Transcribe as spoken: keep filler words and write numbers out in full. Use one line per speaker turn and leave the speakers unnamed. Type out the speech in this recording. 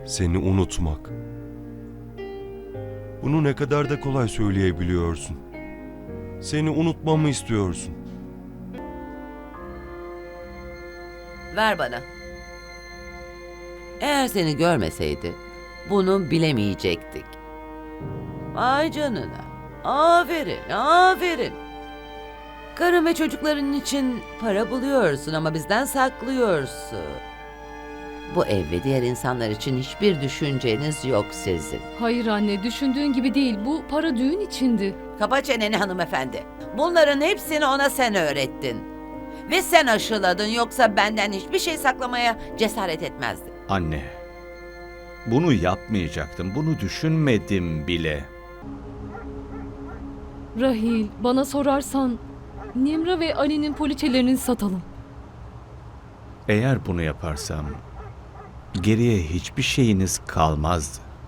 Seni unutmak. Bunu ne kadar da kolay söyleyebiliyorsun. Seni unutmamı istiyorsun.
Ver bana. Eğer seni görmeseydi bunu bilemeyecektik. Ay canına. Aferin, aferin. Karın ve çocukların için para buluyorsun ama bizden saklıyorsun. Bu ev ve diğer insanlar için hiçbir düşünceniz yok sizin.
Hayır anne, düşündüğün gibi değil. Bu para düğün içindi.
Kapa çeneni hanımefendi. Bunların hepsini ona sen öğrettin. Ve sen aşıladın, yoksa benden hiçbir şey saklamaya cesaret etmezdi.
Anne, bunu yapmayacaktım. Bunu düşünmedim bile.
Rahil, bana sorarsan Nimra ve Ali'nin poliçelerini satalım.
Eğer bunu yaparsam geriye hiçbir şeyiniz kalmazdı.